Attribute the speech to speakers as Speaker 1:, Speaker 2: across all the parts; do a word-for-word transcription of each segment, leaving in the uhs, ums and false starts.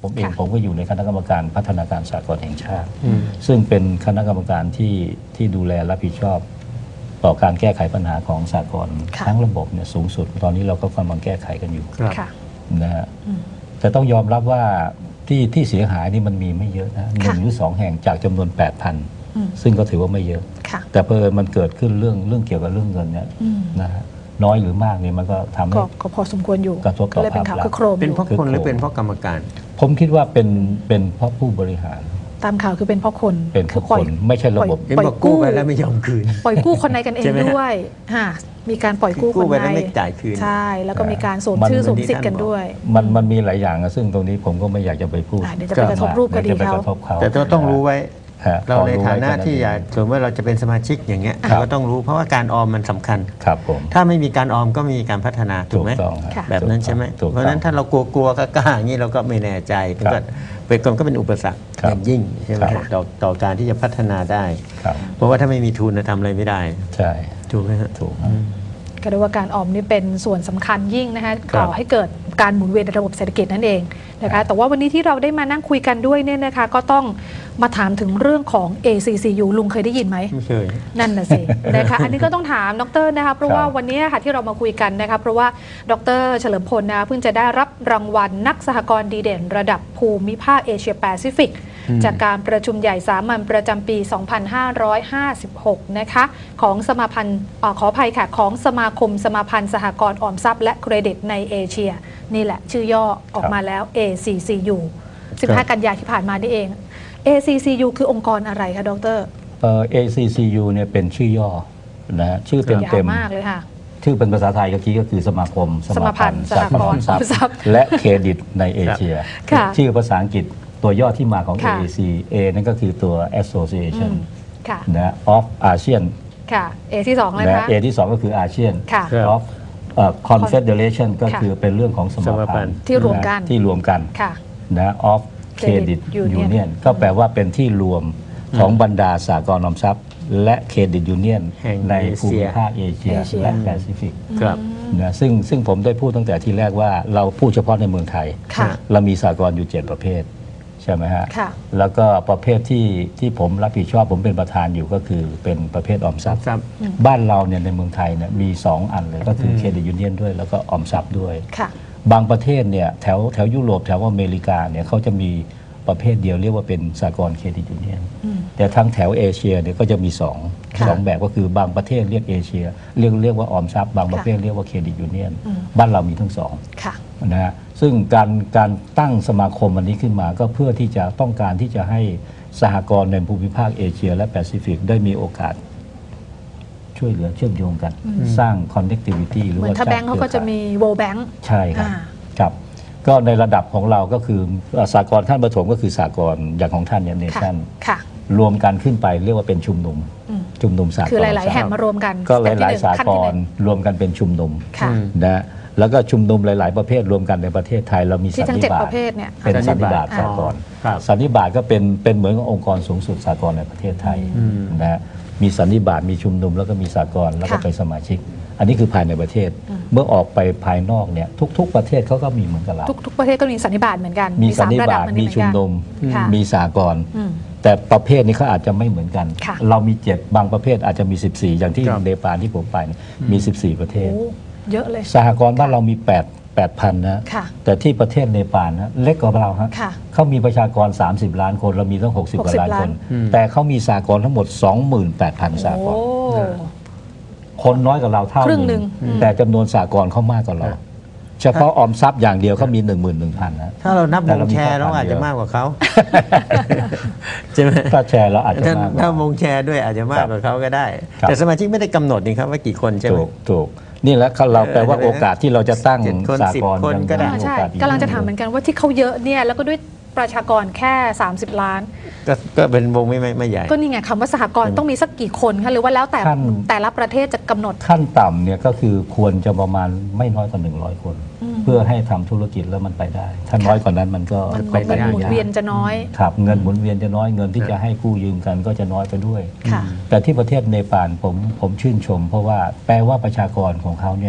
Speaker 1: ผมเองผมก็อยู่ในคณะกรรมการพัฒนาการสากลแห่งชาติซึ่งเป็นคณะกรรมการที่ที่ดูแลรับผิดชอบต่อการแก้ไขปัญหาของสากลทั้งระบบเนี่ยสูงสุดตอนนี้เราก็กำลังแก้ไขกันอยู่นะฮะแต่ต้องยอมรับว่าที่ที่เสียหายนี่มันมีไม่เยอะนะหนึ่งหรือสองแห่งจากจำนวน แปดพัน ซึ่งก็ถือว่าไม่เยอะแต่เพิ่มมันเกิดขึ้นเรื่องเรื่องเกี่ยวกับเรื่องเงินเนี่ยนะฮะน้อยหรือมากเนี่ยมันก็ทำให้
Speaker 2: ก็พอสมควรอยู่
Speaker 1: กระทบต่อภาพลักษณ์
Speaker 3: เป็นเพราะคนหรือเป็นเพราะกรรมการ
Speaker 1: ผมคิดว่าเป็นเป็นเพราะผู้บริหาร
Speaker 2: ตามข่าวคือเป็นเพราะคน
Speaker 1: เป็นเพราะคนไม่ใช่ระบบ
Speaker 3: ปล่อยกู้ไปแล้วไม่ยอมคืน
Speaker 2: ปล่อยกู้คนในกันเองด้วยมีการปล่อยกู้คนใน
Speaker 3: ไม่จ่ายคืน
Speaker 2: ใช่แล้วก็มีการสวมชื่อสวมสิทธิ์กันด้วย
Speaker 1: มันมันมีหลายอย่างซึ่งตรงนี้ผมก็ไม่อยากจะไปพูด
Speaker 2: เดี๋ยวจะไปกระทบรูปคดีเขา
Speaker 3: แต่ต้องรู้ไว้เราในฐานะที่อยากสมมติว่าเราจะเป็นสมาชิกอย่างเงี้ยเราก็ต้องรู้เพราะว่าการออมมันสำคัญ
Speaker 1: ครับผม
Speaker 3: ถ้าไม่มีการออมก็มีการพัฒนาถูกไหมแบบนั้นใช่ไหมเพราะฉะนั้นถ้าเรากลัวๆกล้าๆอย่างนี้เราก็ไม่แน่ใจมันก็เป็นคนก็เป็นอุปสรรคอย่างยิ่งใช่ไหมต่อต่อการที่จะพัฒนาได้เพราะว่าถ้าไม่มีทุนจะทำอะไรไม่ได้
Speaker 1: ใช่
Speaker 3: ถูกไหมฮะ
Speaker 1: ถูก
Speaker 2: ก็เรียกว่าการออมนี่เป็นส่วนสำคัญยิ่งนะคะก่อให้เกิดการหมุนเวียนในระบบเศรษฐกิจนั่นเองนะคะแต่ว่าวันนี้ที่เราได้มานั่งคุยกันด้วยเนี่ยนะคะก็ต้องมาถามถึงเรื่องของ เอ ซี ซี ยู ลุงเคยได้ยินไหม
Speaker 3: ไม่เคย
Speaker 2: นั่นน่ะสินะคะอันนี้ก็ต้องถามดรนะคะเพราะว่าวันนี้ค่ะที่เรามาคุยกันนะคะเพราะว่าดรเฉลิมพลนะเพิ่งจะได้รับรางวัลนักสหกรณ์ดีเด่นระดับภูมิภาคเอเชียแปซิฟิกจากการประชุมใหญ่สามัญประจำปี สองพันห้าร้อยห้าสิบหก นะคะของสมาพันธ์ขออภัยค่ะของสมาคมสมาพันธ์สหกรณ์ออมทรัพย์และเครดิตในเอเชียนี่แหละชื่อย่อออกมาแล้ว เอ ซี ซี ยู สิบห้า กันยายนที่ผ่านมานี่เอง เอ ซี ซี ยู คือองค์กรอะไรคะดร
Speaker 1: เอ่อ เอ ซี ซี ยู เนี่ยเป็นชื่อย่อนะชื่อเต็มเต็ม
Speaker 2: มากเลยค่ะ
Speaker 1: ชื่อเป็นภาษาไทยก็คือก็คือสมาคม
Speaker 2: สมาพันธ์สหกรณ์ออมทรัพย์
Speaker 1: และเครดิตในเอเชียชื่อภาษาอังกฤษตัวย่อที่มาของ เอ ซี A นั่นก็คือตัว Association นะ of ASEAN
Speaker 2: ค่ะ A ที่สองเลยนะ
Speaker 1: A ที่สองก็คือ ASEAN of Confederation ก็คือเป็นเรื่องของสมาพันธ์
Speaker 2: ที่รวมกัน
Speaker 1: ที่รวมกันนะ of Credit Union ก็แปลว่าเป็นที่รวมของบรรดาสหกรณ์ออมทรัพย์และเครดิตยูเนียนในภูมิภาคเอเชียและแปซิฟิกนะซึ่งซึ่งผมได้พูดตั้งแต่ที่แรกว่าเราพูดเฉพาะในเมืองไทยเรามีสหกรณ์อยู่เจ็ดประเภทใช่ไหมฮะแล้วก็ประเภทที่ที่ผมรับผิดชอบผมเป็นประธานอยู่ก็คือเป็นประเภทออมทรัพย์บ้านเราเนี่ยในเมืองไทยเนี่ยมีสองอันเลยก็คือเครดิตยูเนียนด้วยแล้วก็ออมทรัพย์ด้วยบางประเทศเนี่ยแถวแถวยุโรปแถวอเมริกาเนี่ยเขาจะมีประเภทเดียวเรียกว่าเป็นสหกรณ์เครดิตยูเนียนแต่ทั้งแถวเอเชียเนี่ยก็จะมีสองสองแบบก็คือบางประเทศเรียกเอเชียเรียกเรียกว่าออมทรัพย์บางประเภทเรียกว่าเครดิตยูเนียนบ้านเรามีทั้งสองนะฮะซึ่งการการตั้งสมาคมอันนี้ขึ้นมาก็เพื่อที่จะต้องการที่จะให้สหกรณ์ในภูมิภาคเอเชียและแปซิฟิกได้มีโอกาสช่วยเหลือเชื่อมโยงกันสร้าง connectivity หรือว่าเห
Speaker 2: มือนถ้าแบงก์เขาก็จะมี World Bank
Speaker 1: ใช่ครับครับก็ในระดับของเราก็คือสากลขั้นประถมก็คือสากลอย่างของท่านเนี่ยเนชั่นรวมกันขึ้นไปเรียกว่าเป็นชุมนุมชุมนุมสากล
Speaker 2: คือหลายๆแห่งมารวมกัน
Speaker 1: ก็หลายๆสากลรวมกันเป็นชุมนุมนะแล้วก็ชุมนุมหลายๆประเภทรวมกันในประเทศไทยเรามีสันนิบาตเป็นสันนิบาตสากลสันนิบาตก็เป็นเป็นเหมือนกับองค์กรสูงสุดสากลในประเทศไทยนะมีสันนิบาตมีชุมนุมแล้วก็มีสากลแล้วก็ไปสมาชิกอันนี้คือภายในประเทศเมื่อออกไปภายนอกเนี่ยทุกๆประเทศเขาก็มีเหมือนกับเรา
Speaker 2: ทุกๆประเทศก็มีสันนิบาตเหมือนกัน
Speaker 1: มีสันนิบาตมีชุมนุมมีสากลแต่ประเภทนี้เขาอาจจะไม่เหมือนกันเรามีเจ็ดบางประเภทอาจจะมีสิบสี่อย่างที่เนปาลที่ผมไปมีสิบสี่ประเทศ
Speaker 2: เยอะเลย
Speaker 1: สหกรณ์บ้านเรามีแปด แปดพัน นะแต่ที่ประเทศเนปาลนะเล็กกว่าเราฮะเขามีประชากรสามสิบล้านคนเรามีตั้งหกสิบกว่าล้านคนแต่เขามีสหกรณ์ทั้งหมด สองหมื่นแปดพัน สหกรณ์คนน้อยกว่าเราเท่านึงแต่จำนวนสหกรณ์เขามากกว่าเราเฉพาะออมทรัพย์อย่างเดียวเขามี หนึ่งหมื่นหนึ่งพัน นะ
Speaker 3: ถ้าเรานับวงแชร์เราอาจจะมากกว่าเขาใช่ไหม
Speaker 1: ถ้าแชร์เราอาจจะมาก
Speaker 3: ถ้าวงแชร์ด้วยอาจจะมากกว่าเขาก็ได้แต่สมาชิกไม่ได้กำหนดนี่ครับว่ากี่คนใช่ไหม
Speaker 1: ถูกถูกนี่แหละเราแปลว่าโอกาสที่เราจะตั้งสหกรณ์
Speaker 2: ก็ได้ใช่กำลังจะถามเหมือนกันว่าที่เขาเยอะเนี่ยแล้วก็ด้วยประชากรแค่สามสิบล้าน
Speaker 3: ก็ก็เป็นวงไม่ไม่ใหญ่
Speaker 2: ก็นี่ไงคำว่าสหกรณ์ต้องมีสักกี่คนคะหรือว่าแล้วแต่แต่ละประเทศจะกำหนด
Speaker 1: ขั้นต่ำเนี่ยก็คือควรจะประมาณไม่น้อยกว่าหนึ่งร้อยคนเพื่อให้ทำธุรกิจแล้วมันไปได้ถ้าน้อยกว่านั้นมันก็
Speaker 2: เงินหมุนเวียนจะน้อย
Speaker 1: ครับเงินหมุนเวียนจะน้อยเงินที่จะให้กู้ยืมกันก็จะน้อยไปด้วยแต่ที่ประเทศเนปาลผมผมชื่นชมเพราะว่าแปลว่าประชากรของเขาเนี่ย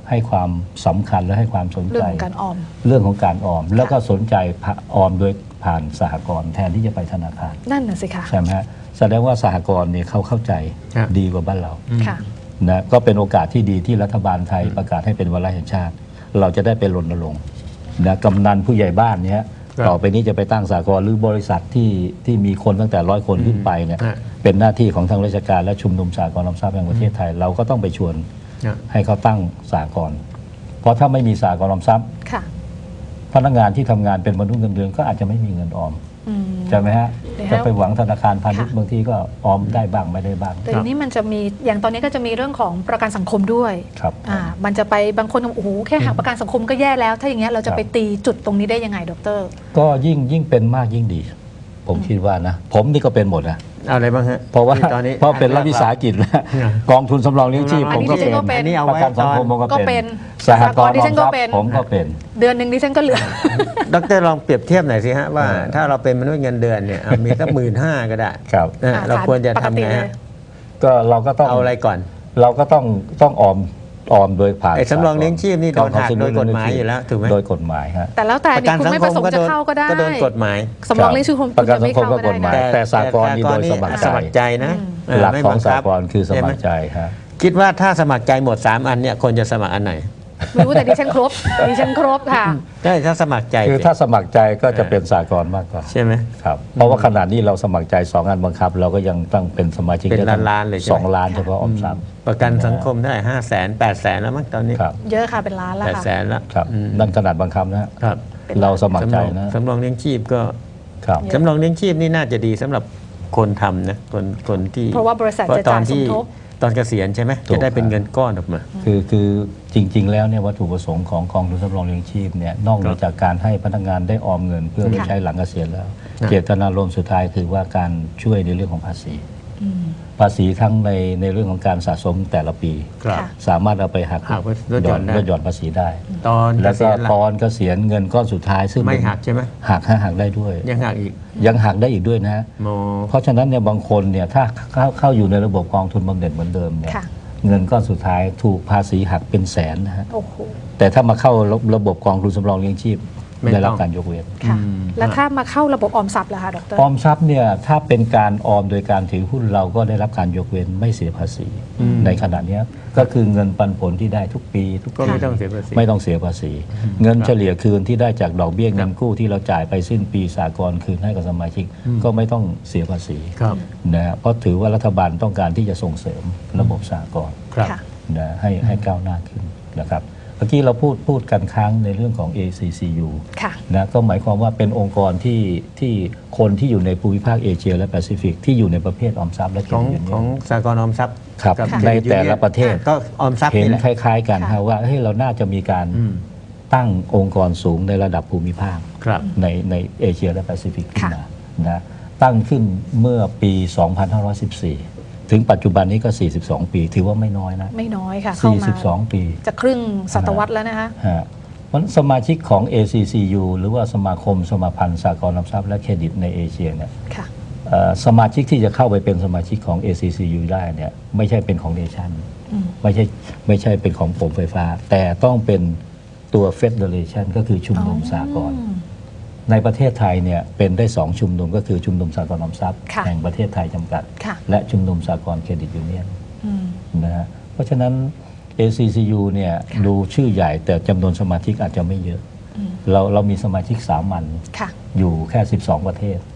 Speaker 1: ให้ความสำคัญและให้ความสน
Speaker 2: เรื่
Speaker 1: ใจ
Speaker 2: องของการออม
Speaker 1: เรื่องของการออม แล้วก็สนใจออมโดยผ่านสหกรณ์แทนที่จะไปธนาคาร
Speaker 2: นั่นน่ะสิคะ
Speaker 1: ใช่ไหมฮะแสดงว่าสหกรณ์เนี่ยเขาเข้าใจ
Speaker 3: ครับ
Speaker 1: ดีกว่าบ้านเรา
Speaker 2: ค่ะ
Speaker 1: นะก็เป็นโอกาสที่ดีที่รัฐบาลไทยประกาศให้เป็นวาระแห่งชาติ เราจะได้ไปรณรงค์นะกำนันผู้ใหญ่บ้านเนี้ย
Speaker 3: ครับ
Speaker 1: ต่อไปนี้จะไปตั้งสหกรณ์หรือบริษัทที่ที่มีคนตั้งแต่ร้อยคนขึ้นไปเนี่ย
Speaker 3: ฮะ
Speaker 1: เป็นหน้าที่ของทางราชการและชุมนุมสหกรณ์ออมทรัพย์แห่งประเทศไทย เราก็ต้องไปชวน
Speaker 3: นะ
Speaker 1: ให้เขาตั้งสหกรณ์เพราะถ้าไม่มีสหกรณ์ออมทรัพย์
Speaker 2: ค่ะ
Speaker 1: พนักงานที่ทำงานเป็นมนุษย์เงินเดือนก็อาจจะไม่มีเงินออม
Speaker 2: อืม
Speaker 1: ใช่ไหมฮะ
Speaker 2: แล้ว
Speaker 1: จะไปหวังธนาคารพาณิชย์
Speaker 2: ค่ะ
Speaker 1: บางทีก็ออมได้บ้างไม่ได้บ้าง
Speaker 2: แต่ทีนี้มันจะมีอย่างตอนนี้ก็จะมีเรื่องของประกันสังคมด้วย
Speaker 1: ครับ
Speaker 2: อ่ามันจะไปบางคนโอ้โหแค่หักประกันสังคมก็แย่แล้ว ถ้าอย่างเงี้ยเราจะไปตีจุดตรงนี้ได้ยังไงดร
Speaker 1: ก็ยิ่งยิ่งเป็นมากยิ่งดี ผมคิดว่านะ ผมนี่ก็เป็นหมดนะ
Speaker 3: เอาอะไรบ้างฮะ
Speaker 1: เพราะว่า
Speaker 3: ที่ตอนนี้
Speaker 1: เพราะเป็นรัฐวิสาหกิจแล้ว
Speaker 3: อ่ะ
Speaker 1: กองทุนสำรองเลี้ยงชีพ
Speaker 2: อั
Speaker 1: ผ
Speaker 2: น
Speaker 1: ม
Speaker 2: นี้
Speaker 1: ก็
Speaker 2: ดิฉั
Speaker 1: เป็น
Speaker 2: นก็เป็น
Speaker 3: อันนี้เอา
Speaker 1: ประ
Speaker 3: ไว้
Speaker 1: กันสังคม
Speaker 3: ตอน
Speaker 1: ผมก็
Speaker 2: ก็เป็
Speaker 1: เป็น
Speaker 2: น
Speaker 1: สหกรณ์
Speaker 2: ดิ
Speaker 1: ออ
Speaker 2: ฉั
Speaker 1: ม
Speaker 2: น
Speaker 1: ท
Speaker 2: ก็
Speaker 1: รัพ
Speaker 2: เป็น
Speaker 1: ย์ผมก็เป็น
Speaker 2: เดือนหนึ่งดิฉันก็เหลือ
Speaker 3: ดรลองเปรียบเทียบหน่อยสิฮะว่า
Speaker 1: เออ
Speaker 3: ถ้าเราเป็นมนุษย์เงินเดือนเนี่ยเอามีสักหมื่นห้าก็ได้
Speaker 1: ครับ
Speaker 3: นะ
Speaker 2: อ่า
Speaker 3: เราควรจะ
Speaker 2: ปกติ
Speaker 3: ทำไง
Speaker 2: เล
Speaker 3: ฮะ
Speaker 2: ย
Speaker 1: ก็เราก็ต้อง
Speaker 3: เอาอะไรก่อน
Speaker 1: เราก็ต้องต้องออมออมโดยผ่าน
Speaker 3: ไอ้สำรองเลี้ยงชีพนี่โดนหัก
Speaker 1: องทุ
Speaker 3: โดยกฎหมายอยู่แล้วถูกไหม
Speaker 1: โดยกฎหมายฮะ
Speaker 2: แต่แล้วแต่
Speaker 3: ประ
Speaker 2: นี่
Speaker 3: กัน
Speaker 2: คุณ
Speaker 3: สัง
Speaker 2: ไม่
Speaker 3: ค
Speaker 2: ประ
Speaker 3: ม
Speaker 2: สงค์
Speaker 3: ก็
Speaker 2: จะ
Speaker 3: โดน
Speaker 2: เข้าก็ได้
Speaker 3: ก็โดนกฎหมาย
Speaker 2: สำรองเลี้ยงชีพคุณ
Speaker 1: ประกัน
Speaker 2: จะไม่
Speaker 1: สังคม
Speaker 2: เข้า
Speaker 1: ก็
Speaker 2: ก็
Speaker 1: ก
Speaker 2: ได้
Speaker 1: ฎหมาย
Speaker 2: นะ
Speaker 1: แต่สหกรณ์นี่โดยสมัครใจ
Speaker 3: สมัครใจนะเ
Speaker 1: หลัก
Speaker 3: ไม่
Speaker 1: ของ
Speaker 3: บั
Speaker 1: สห
Speaker 3: คับ
Speaker 1: กรณ์คือสมัครใจฮะ
Speaker 3: คิดว่าถ้าสมัครใจหมดสามอันเนี่ยคนจะสมัครอันไหน
Speaker 2: ไม่รู้แต่ดิฉันครบดิฉันครบค่ะ
Speaker 3: ใช่ถ้าสมัครใจ
Speaker 1: คือถ้าสมัครใจก็จะเป็นสหกรณ์มากกว่า
Speaker 3: ใช่ไหม
Speaker 1: ครับเพราะว่าขนาดนี้เราสมัครใจสองอันบังคับ เราก็ยังต้องเป็นสมาชิก
Speaker 3: เป็น
Speaker 1: ได้ตั้ง
Speaker 3: ล้านๆเลยใช่ไหม
Speaker 1: สองล้านเฉพาะออมทรัพย์
Speaker 3: ประกันสังคมได้ห้าแสนแปดแสนแล้วมั้งตอนนี้
Speaker 1: ครับ
Speaker 2: เยอะค่ะเป็นล้านแล้ว
Speaker 3: แปด
Speaker 2: ค่ะ
Speaker 3: แสนแล้ว
Speaker 1: ครับ
Speaker 3: อืม
Speaker 1: นั่นขนาดบังคับนะฮะ
Speaker 3: ครับ
Speaker 1: เราสมัครใจนะ
Speaker 3: สำรองเลี้ยงชีพก็
Speaker 1: ครับ
Speaker 3: สำรองเลี้ยงชีพนี่น่าจะดีสำหรับคนทำนะคนคนที่
Speaker 2: เพราะว่าบริษัท
Speaker 3: เพราะ
Speaker 2: จะ
Speaker 3: ตอ
Speaker 2: จ่าน ยสม
Speaker 3: ที่
Speaker 2: ทบ
Speaker 3: ตอนเกษียณใช่ไหม
Speaker 1: ถูก
Speaker 3: จะได้เป็นเงินก้อนออกมา
Speaker 1: คือคือจริง ๆ แล้วเนี่ยวัตถุประสงค์ของกองทุนสำรองเลี้ยงชีพเนี่ยนอกเหนือจากการให้พนักงานได้ออมเงินเพื่อไป
Speaker 2: ค่ะ
Speaker 1: ใช้หลังเกษียณแล้ว
Speaker 3: ค่ะ
Speaker 1: เจตนารมณ์สุดท้ายคือว่าการช่วยในเรื่องของภาษี
Speaker 2: อืม
Speaker 1: ภาษีทั้งในในเรื่องของการสะสมแต่ละปี
Speaker 3: ครับ
Speaker 2: ค่ะ
Speaker 1: สามารถเอาไปหัก
Speaker 3: หักลดหย่อนได้
Speaker 1: ลดหย่อนภาษีได้
Speaker 3: ตอนเก
Speaker 1: แล้ว
Speaker 3: ษี
Speaker 1: ก็
Speaker 3: ยณล่ะ
Speaker 1: ตอนเกษียณเงินก้อนสุดท้ายซึ่ง
Speaker 3: ไม่หักใช่ไหม
Speaker 1: หักฮะหักได้ด้วย
Speaker 3: ยังหักอีก
Speaker 1: ยังหักได้อีกด้วยนะฮะ
Speaker 3: โม
Speaker 1: เพราะฉะนั้นเนี่ยบางคนเนี่ยถ้าเข้าเข้าอยู่ในระบบกองทุนบำเหน็จเหมือนเดิมเนี่ย
Speaker 2: ค่ะ
Speaker 1: เงินก้อนสุดท้ายถูกภาษีหักเป็นแสนนะฮะ
Speaker 2: โอ้โห
Speaker 1: แต่ถ้ามาเข้าระระบบกองทุนสำรองเลี้ยงชีพได้รับการยกเว้น
Speaker 2: ค่ะ
Speaker 3: อืม
Speaker 2: แล้วถ้ามาเข้าระบบออมทรัพย์ล่ะคะดร
Speaker 1: ออมทรัพย์เนี่ยถ้าเป็นการออมโดยการถือหุ้นเราก็ได้รับการยกเว้นไม่เสียภาษี
Speaker 3: อืม
Speaker 1: ในขณะเนี้ยก็คือเงินปันผลที่ได้ทุกปีทุก
Speaker 3: ก็
Speaker 1: ปี
Speaker 3: ไม่ต้องเสียภาษี
Speaker 1: ไม่ต้องเสียภาษี เงินเฉลี่ยคืนที่ได้จากดอกเบี้ยเงินกู้ที่เราจ่ายไปสิ้นปีสากลคืนให้กับสมาชิก ก็ไม่ต้องเสียภาษี
Speaker 3: ครับ
Speaker 1: นะฮะเพราะถือว่ารัฐบาลต้องการที่จะส่งเสริมระบบสากล
Speaker 3: ครับ
Speaker 2: ค่ะ
Speaker 1: นะให้ให้ก้าวหน้าขึ้นนะครับเมื่อกี้เราพูดพูดกันค้างในเรื่องของ เอ ซี ซี ยู
Speaker 2: ค่ะ
Speaker 1: นะก็หมายความว่าเป็นองค์กรที่ที่คนที่อยู่ในภูมิภาคเอเชียและแปซิฟิกที่อยู่ในประเภทออมทรัพย์และเคร
Speaker 3: ของ
Speaker 1: ดิตยู
Speaker 3: ขอ
Speaker 1: เนี
Speaker 3: ง
Speaker 1: ยน
Speaker 3: สากลออมทรัพย์
Speaker 1: ครับ
Speaker 3: กับ
Speaker 1: ใน
Speaker 3: Credit
Speaker 1: แต่ละ
Speaker 3: Union
Speaker 1: ประเทศ
Speaker 3: ก็ออมทรัพย์
Speaker 1: เห็น
Speaker 3: นี่แหละ
Speaker 1: คล้าย ๆ กัน
Speaker 2: ค่ะ
Speaker 1: ฮะว่าเฮ้ยเราน่าจะมีการ
Speaker 3: อืม
Speaker 1: ตั้งองค์กรสูงในระดับภูมิภาค
Speaker 3: ครับ
Speaker 1: ในในเอเชียและแปซิฟิกขึ้น
Speaker 2: ค่ะ
Speaker 1: มานะตั้งขึ้นเมื่อปี สองพันห้าร้อยสิบสี่ ถึงปัจจุบันนี้ก็ สี่สิบสอง ปี ถือว่าไม่น้อยนะ
Speaker 2: ไม่น้อยค่ะ เข้ามา
Speaker 1: สี่สิบสอง ปี
Speaker 2: จะครึ่งศตวรรษแล้วนะคะ
Speaker 1: ฮะเพราะฉะนั้นสมาชิกของ เอ ซี ซี ยู หรือว่าสมาคมสมาพันธ์สหกรณ์ออมทรัพย์และเครดิตในเอเชียเนี่ย
Speaker 2: ค่ะ
Speaker 1: เอ่อสมาชิกที่จะเข้าไปเป็นสมาชิกของ เอ ซี ซี ยู ได้เนี่ยไม่ใช่เป็นของเนชั่น
Speaker 2: อืม
Speaker 1: ไม่ใช่ไม่ใช่เป็นของผมไฟฟ้า แต่ต้องเป็นตัว Federation ก็คือชุมนุมสากล
Speaker 2: อืม
Speaker 1: ในประเทศไทยเนี่ยเป็นได้สองชุมนุมก็คือชุมนุมสากลออมทรัพย์
Speaker 2: ค่ะ
Speaker 1: แห่งประเทศไทยจำกัด
Speaker 2: ค่ะ
Speaker 1: และชุมนุมสากลเครดิตยูเนียน
Speaker 2: อืม
Speaker 1: นะฮะเพราะฉะนั้น เอ ซี ซี ยู เนี่ย
Speaker 2: ค่ะ
Speaker 1: ดูชื่อใหญ่แต่จำนวนสมาชิกอาจจะไม่เยอะ
Speaker 2: อืม
Speaker 1: เราเรามีสมาชิกสามัญ
Speaker 2: ค่ะ
Speaker 1: อยู่แค่ สิบสอง ประเทศ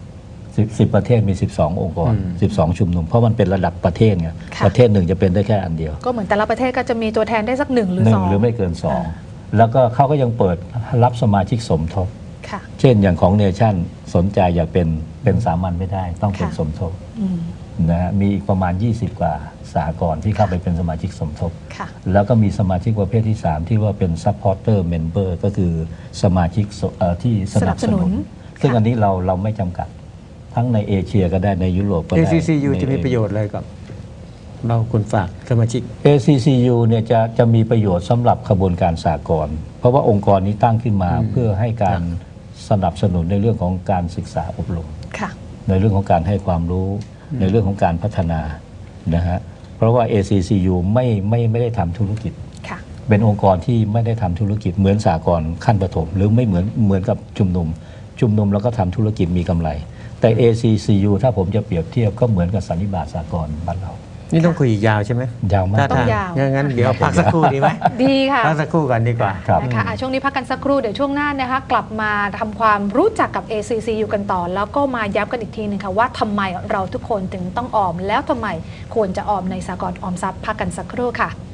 Speaker 1: 10 10 ประเทศมี สิบสอง องค์กร
Speaker 3: อืม
Speaker 1: สิบสอง ชุมนุม เพราะมันเป็นระดับประเทศไง
Speaker 2: ค่ะ
Speaker 1: ประเทศหนึ่งจะเป็นได้แค่อันเดียว
Speaker 2: ก็เหมือนแต่ละประเทศก็จะมีตัวแทนได้สักหนึ่งหรือ
Speaker 1: หนึ่
Speaker 2: ส
Speaker 1: ง
Speaker 2: อง
Speaker 1: หรือไม่เกินสอง
Speaker 2: อ่า
Speaker 1: แล้วก็เขาก็ยังเปิดรับสมาชิกสมทบ
Speaker 2: ค่ะ
Speaker 1: เช่นอย่างของเนชั่นสนใจอยากเป็นเป็นสามัญไม่ได้ ต้องเป็น
Speaker 2: ค่ะ
Speaker 1: สมทบ
Speaker 2: อืม
Speaker 1: นะฮะมีอีกประมาณ ยี่สิบ กว่าสหกรณ์ที่เข้าไปเป็นสมาชิกสมทบ
Speaker 2: ค่ะ
Speaker 1: แล้วก็มีสมาชิกประเภทที่ สาม ที่ว่าเป็น supporter member ก็คือสมาชิกสเอ่อที่สนับสนุน
Speaker 2: สนับสนุน
Speaker 1: ซึ่ง
Speaker 2: ค่ะ
Speaker 1: อันนี้เราเราไม่จำกัด ทั้งในเอเชียก็ได้ในยุโรปก็
Speaker 3: เอ
Speaker 1: ได้
Speaker 3: ซี ซี ยู
Speaker 1: ใน
Speaker 3: จะมีประโยชน์อะไรกับเราคนฝากสมาชิก
Speaker 1: เอ ซี ซี ยู เนี่ยจะจะมีประโยชน์สำหรับขบวนการสากลเพราะว่าองค์กรนี้ตั้งขึ้นมา
Speaker 3: อืม
Speaker 1: เพื่อให้การสนับสนุนในเรื่องของการศึกษาอบรม
Speaker 2: ค่ะ
Speaker 1: ในเรื่องของการให้ความรู้ในเรื่องของการพัฒนานะฮะเพราะว่า เอ ซี ซี ยู ไม่ไม่ไม่ได้ทำธุรกิจ
Speaker 2: ค่ะ
Speaker 1: เป็นองค์กรที่ไม่ได้ทำธุรกิจเหมือนสหกรณ์ขั้นประถมหรือไม่เหมือนเหมือนกับชุมนุมชุมนุมแล้วก็ทำธุรกิจมีกำไรแต่ เอ ซี ซี ยู ถ้าผมจะเปรียบเทียบก็เหมือนกับสันนิบาตสหกรณ์บ้านเรา
Speaker 3: นี่ต้องคุยยาวใช่ไหม
Speaker 1: ยาวมาก
Speaker 2: ต้องยาว
Speaker 3: งั้นเดี๋ยวพักสักครู่ดีไหม
Speaker 2: ดีค่ะ
Speaker 3: พักสักครู่ก่อนดีกว่า
Speaker 2: นะคะช่วงนี้พักกันสักครู่เดี๋ยวช่วงหน้านะคะกลับมาทำความรู้จักกับ เอ ซี ซี ยู กันต่อแล้วก็มาย้ำกันอีกทีหนึ่งค่ะว่าทำไมเราทุกคนถึงต้องออมแล้วทำไมควรจะออมในสหกรณ์ออมทรัพย์พักกันสักครู่ค่ะ